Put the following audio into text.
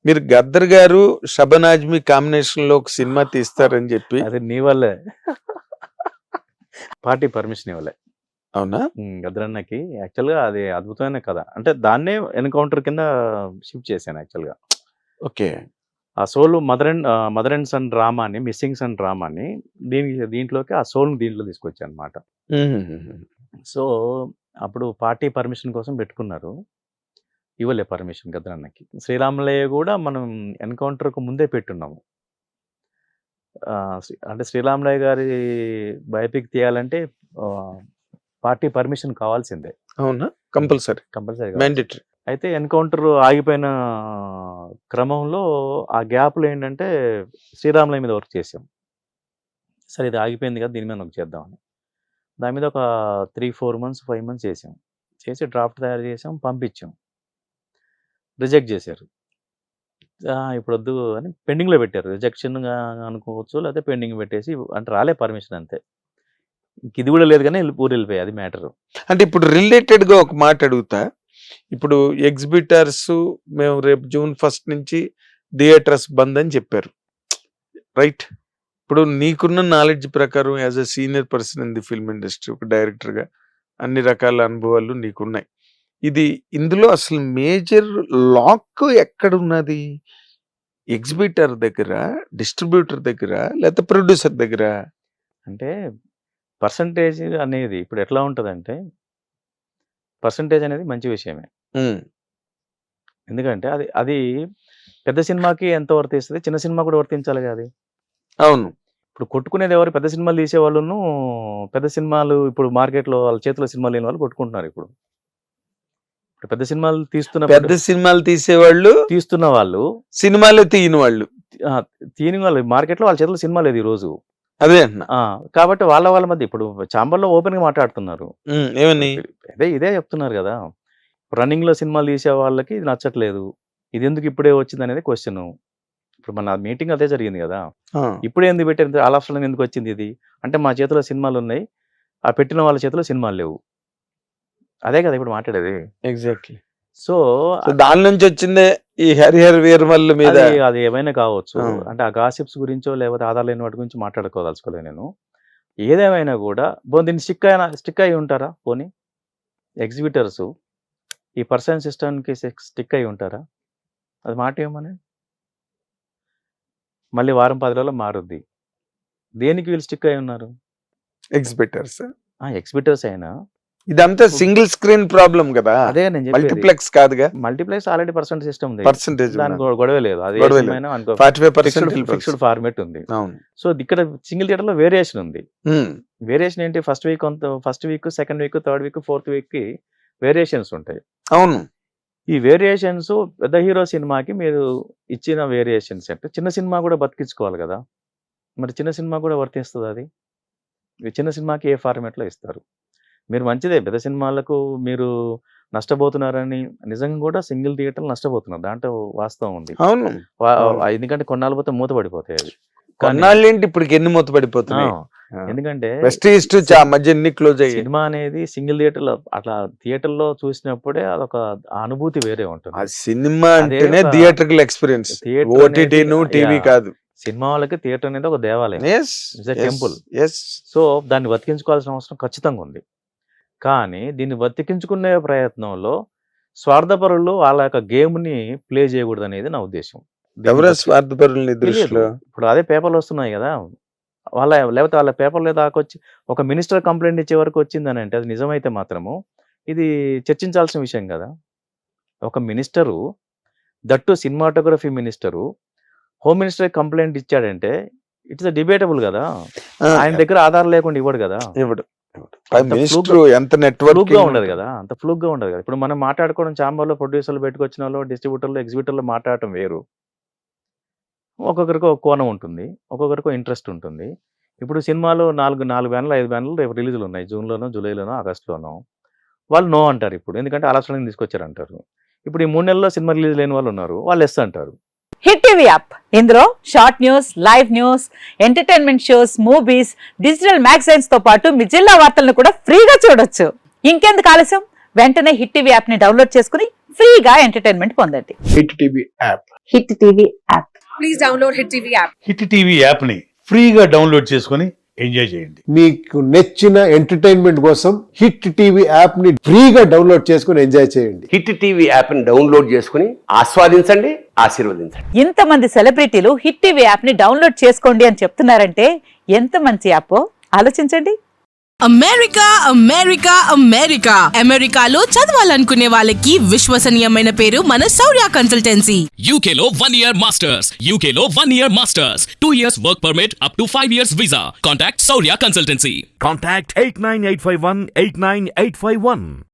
మీరు గద్దర్ గారు షబన్ ఆజ్మీ కాంబినేషన్ లో ఒక సినిమా తీస్తారని చెప్పి. అది నీ వల్లే పార్టీ పర్మిషన్ ఇవ్వలే. అవునా? గద్రన్నకి యాక్చువల్గా అది అద్భుతమైన కథ. అంటే దాన్నే ఎన్కౌంటర్ కింద షిఫ్ట్ చేశాను యాక్చువల్గా. ఓకే. ఆ సోల్ మదర్ అండ్ సన్ డ్రామాని, మిస్సింగ్ సన్ డ్రామాని దీంట్లోకి ఆ సోల్ని దీంట్లో తీసుకొచ్చాను అనమాట. సో అప్పుడు పార్టీ పర్మిషన్ కోసం పెట్టుకున్నారు, ఇవ్వలే పర్మిషన్ గద్రన్నకి. శ్రీరాములయ్య కూడా మనం ఎన్కౌంటర్కు ముందే పెట్టున్నాము. అంటే శ్రీరాములయ్య గారి బయోపిక్ తీయాలంటే పార్టీ పర్మిషన్ కావాల్సిందే. అవునా? Compulsory mandatory. అయితే ఎన్కౌంటర్ ఆగిపోయిన క్రమంలో ఆ గ్యాప్లో ఏంటంటే శ్రీరాములయ్య మీద వర్క్ చేసాం. సరే ఇది ఆగిపోయింది కదా, దీని మీద వర్క్ చేద్దామని దాని మీద ఒక 3-4 months 5 months చేసాం. చేసి డ్రాఫ్ట్ తయారు చేసాం, పంపించాం. రిజెక్ట్ చేశారు. ఇప్పుడు వద్దు అని పెండింగ్లో పెట్టారు. రిజెక్షన్ అనుకోవచ్చు, లేకపోతే పెండింగ్ పెట్టేసి అంటే రాలే పర్మిషన్ అంతే. ఇది కూడా లేదు కానీ ఊరు వెళ్ళిపోయాయి, అది మ్యాటర్. అంటే ఇప్పుడు రిలేటెడ్ గా ఒక మాట అడుగుతా. ఇప్పుడు ఎగ్జిబిటర్స్ మేము రేపు June 1 నుంచి థియేటర్స్ బంద్ అని చెప్పారు, రైట్? ఇప్పుడు నీకున్న నాలెడ్జ్ ప్రకారం as a senior person in the film industry, ఒక డైరెక్టర్ గా అన్ని రకాల అనుభవాలు నీకున్నాయి. ఇందులో అసలు మేజర్ లాక్ ఎక్కడ ఉన్నది? ఎగ్జిబిటర్ దగ్గర, డిస్ట్రిబ్యూటర్ దగ్గర, లేకపోతే ప్రొడ్యూసర్ దగ్గర? అంటే పర్సంటేజ్ అనేది ఇప్పుడు ఎట్లా ఉంటుందంటే, పర్సంటేజ్ అనేది మంచి విషయమే. ఎందుకంటే అది అది పెద్ద సినిమాకి ఎంత వర్తిస్తుంది, చిన్న సినిమా కూడా వర్తించాలి కదా అది. అవును. ఇప్పుడు కొట్టుకునేది ఎవరు? పెద్ద సినిమాలు తీసేవాళ్ళను, పెద్ద సినిమాలు ఇప్పుడు మార్కెట్లో వాళ్ళ చేతిలో సినిమాలు లేని వాళ్ళు కొట్టుకుంటున్నారు. ఇప్పుడు పెద్ద సినిమాలు పెద్ద సినిమాలు తీస్తున్న వాళ్ళు సినిమాలు తీయని వాళ్ళు మార్కెట్లో వాళ్ళ చేతిలో సినిమా లేదు ఈ రోజు. అదే కాబట్టి వాళ్ళ మధ్య ఇప్పుడు చాంబర్లో ఓపెన్ గా మాట్లాడుతున్నారు. ఏమని ఇదే చెప్తున్నారు కదా, రన్నింగ్ లో సినిమాలు తీసే వాళ్ళకి ఇది నచ్చట్లేదు, ఇది ఎందుకు ఇప్పుడే వచ్చింది అనేది క్వశ్చన్. ఇప్పుడు మన మీటింగ్ అదే జరిగింది కదా, ఇప్పుడే ఎందుకు పెట్టారు, ఆల్ ఆఫ్ సడన్ ఎందుకు వచ్చింది ఇది అంటే, మా చేతిలో సినిమాలు ఉన్నాయి, ఆ పెట్టిన వాళ్ళ చేతిలో సినిమాలు లేవు. అదే కదా ఇప్పుడు మాట్లాడేది. ఎగ్జాక్ట్లీ. సో దాని నుంచి వచ్చిందే ఈ హరిహర వీరమల్లు మీద. అది ఏమైనా కావచ్చు. అంటే ఆ గాసిప్స్ గురించో లేకపోతే ఆధార్ లేని వాటి గురించి మాట్లాడుకోదలుచుకోలేదు నేను. ఏదేమైనా కూడా దీన్ని స్టిక్ అయి ఉంటారా? పోనీ ఎగ్జిబిటర్స్ ఈ పర్సన్ సిస్టమ్కి స్టిక్ అయి ఉంటారా? అది మాట ఏమని మళ్ళీ వారం 10 రోజుల్లో మారుద్ది. దేనికి వీళ్ళు స్టిక్ అయి ఉన్నారు? ఎగ్జిబిటర్స్ అయినా ఇదంతా సింగిల్ స్క్రీన్ ప్రాబ్లం కదా. అదే నేను చెప్పేది, మల్టీప్లెక్స్ కాదుగా. మల్టీప్లెక్స్ ఆల్రెడీ పర్సెంట్ సిస్టమ్ ఉంది, పర్సెంటేజ్ దానికి గొడవ లేదు. అది 45% ఫిక్స్డ్ ఫార్మేట్ ఉంది. సో ఇక్కడ సింగిల్ థియేటర్ లో వేరియేషన్ ఉంది. వేరియేషన్ ఏంటి? First week, second week, third week, fourth week కి వేరియేషన్స్ ఉంటాయి. అవును. ఈ వేరియేషన్స్ పెద్ద హీరో సినిమాకి మీరు ఇచ్చిన వేరియేషన్స్ అంటే చిన్న సినిమా కూడా బతికించుకోవాలి కదా. మరి చిన్న సినిమా కూడా వర్తిస్తుంది అది. చిన్న సినిమాకి ఏ ఫార్మేట్ లో ఇస్తారు? మీరు మంచిదే, పెద్ద సినిమాలకు మీరు నష్టపోతున్నారని నిజంగా కూడా సింగిల్ థియేటర్లు నష్టపోతున్నారు, దాంట్లో వాస్తవం ఉంది. అవును. ఎందుకంటే కొన్నాళ్ళు పోతే మూతపడిపోతాయి అవి. కొన్నాళ్ళేంటి ఇప్పుడు ఎన్ని మూతపడిపోతున్నాయి? ఎందుకంటే సినిమా అనేది సింగిల్ థియేటర్ లో అట్లా థియేటర్ లో చూసినప్పుడే అదొక అనుభూతి వేరే ఉంటుంది. సినిమా అంటేనే థియేటర్కల్ ఎక్స్పీరియన్స్, ఓటీటీ టీవీ కాదు. సినిమా వాళ్ళకి థియేటర్ అనేది ఒక దేవాలయం, టెంపుల్. సో దాన్ని బతికించుకోవాల్సిన అవసరం ఖచ్చితంగా ఉంది. కానీ దీన్ని బతికించుకునే ప్రయత్నంలో స్వార్థపరులు వాళ్ళ యొక్క గేమ్ ని ప్లే చేయకూడదు అనేది నా ఉద్దేశం. ఇప్పుడు అదే పేపర్లు వస్తున్నాయి కదా, లేకపోతే వాళ్ళ పేపర్లో దాకొచ్చి ఒక మినిస్టర్ కంప్లైంట్ ఇచ్చే వరకు వచ్చిందని అంటే అది నిజమైతే మాత్రము ఇది చర్చించాల్సిన విషయం కదా. ఒక minister, that cinematography minister, home minister complaint ఇచ్చాడంటే ఇట్స్ డిబేటబుల్ కదా. ఆయన దగ్గర ఆధారం లేకుండా ఇవ్వడు కదా, ఎంత నెట్వర్క్ గా ఉండదు కదా, అంత ఫ్లూక్ గా ఉండదు కదా. ఇప్పుడు మనం మాట్లాడుకోవడం చాంబర్లో ప్రొడ్యూసర్లు పెట్టుకొచ్చిన వాళ్ళు, డిస్ట్రిబ్యూటర్లు, ఎగ్జిబిటర్లు మాట్లాడటం వేరు. ఒక్కొక్కరికి ఒక కోణం ఉంటుంది, ఒక్కొక్కరికి ఇంట్రెస్ట్ ఉంటుంది. ఇప్పుడు సినిమాలు 4 బ్యానర్లు 5 బ్యానర్లు రేపు రిలీజులు ఉన్నాయి, జూన్లోనో, జూలైలోనో, ఆగస్టులోనో. వాళ్ళు నో అంటారు ఇప్పుడు, ఎందుకంటే ఆలస్యంగా తీసుకొచ్చారు అంటారు. ఇప్పుడు ఈ 3 నెలల్లో సినిమా రిలీజ్ లేని వాళ్ళు ఉన్నారు, వాళ్ళు ఎస్ అంటారు. హిట్ టీవీ యాప్, ఇందులో short news, live news, entertainment shows, movies, digital magazines తో పాటు మీ జిల్లా వార్తలను కూడా ఫ్రీగా చూడొచ్చు. ఇంకెందుకు ఆలస్యం? వెంటనే హిట్ టీవీ యాప్ ని డౌన్లోడ్ చేసుకుని ఫ్రీగా ఎంటర్టైన్మెంట్ పొందండి. Hit TV app. Hit TV app. Please download Hit TV app. Hit TV యాప్ని ఫ్రీగా డౌన్లోడ్ చేసుకొని ఎంజాయ్ చేయండి. మీకు నచ్చిన ఎంటర్టైన్మెంట్ కోసం హిట్ టీవీ యాప్ ని ఫ్రీగా డౌన్లోడ్ చేసుకుని ఎంజాయ్ చేయండి. హిట్ టీవీ యాప్ని డౌన్లోడ్ చేసుకుని ఆస్వాదించండి, ఆశీర్వదించండి. ఇంతమంది సెలబ్రిటీలు హిట్ టీవీ యాప్ ని డౌన్లోడ్ చేసుకోండి అని చెప్తున్నారంటే ఎంత మంచి యాప్ ఆలోచించండి. అమెరికా అమెరికా అమెరికా అమెరికాలో చదవాలనుకునే వాళ్ళకి విశ్వసనీయమైన పేరు మన Shaurya consultancy. UK Law 1 Year Masters. UK Law 1 Year Masters. 2 years work permit up to 5 years visa. Contact Saurya Consultancy. Contact 89851 89851.